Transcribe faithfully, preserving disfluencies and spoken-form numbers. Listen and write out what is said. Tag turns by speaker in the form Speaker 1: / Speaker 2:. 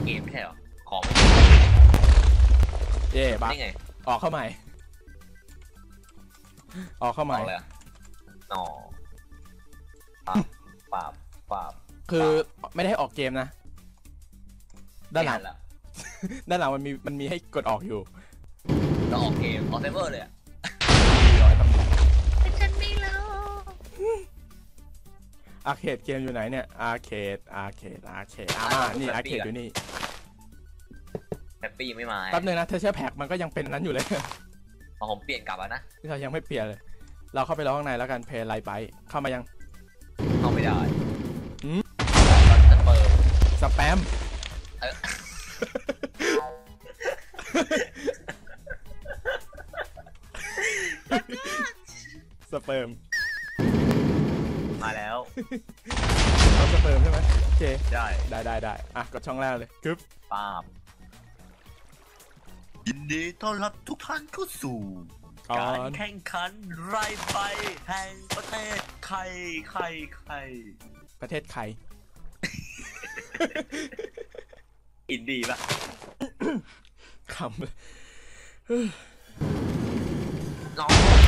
Speaker 1: เกมไม่ใช่หรอของ
Speaker 2: เย่บ้า
Speaker 1: ไง
Speaker 2: ออกเข้าใหม่ออกเข้าใหม่
Speaker 1: เลยอ๋อปราบปราบ
Speaker 2: คือไม่ได้ให้ออกเกมนะด้านหลังด้านหลังมันมีมันมีให้กดออกอยู่
Speaker 1: เราออกเกมออกเซิร์ฟเวอร์เลยอ่ะฉันไม่รู้
Speaker 2: อาร์เคดเกมอยู่ไหนเนี่ยอาร์เคดอาร์เคดอาร์เคดอ่านี่อาร์เคดอยู่นี่
Speaker 1: แฮปปี้ไม่มา
Speaker 2: แป๊บนึงนะเธอเชื่อแพ็กมันก็ยังเป็นนั้นอยู่เลย
Speaker 1: ผมเปลี่ยนกลับแล้วนะ
Speaker 2: ที่เรายังไม่เปลี่ยนเลยเราเข้าไปรอข้างในแล้วกันเพย์ไลท์ไบท์เข้ามายัง
Speaker 1: เข้าไม่ได้
Speaker 2: สแปมสเปิร์ม
Speaker 1: มาแล้ว
Speaker 2: เอาสเปิร์มใช่ไหมโอเค
Speaker 1: ได้
Speaker 2: ได้ได้ได้อ่ะกดช่องแรกเลยกึ๊บ
Speaker 1: ป้าบยินดีต้อนรับทุกท่านเข้าสู่การแข่งขันไรใบแห่งประเทศไทยไทยไทย
Speaker 2: ประเทศไทย
Speaker 1: อินดีป่ะ
Speaker 2: คำ
Speaker 1: น้อง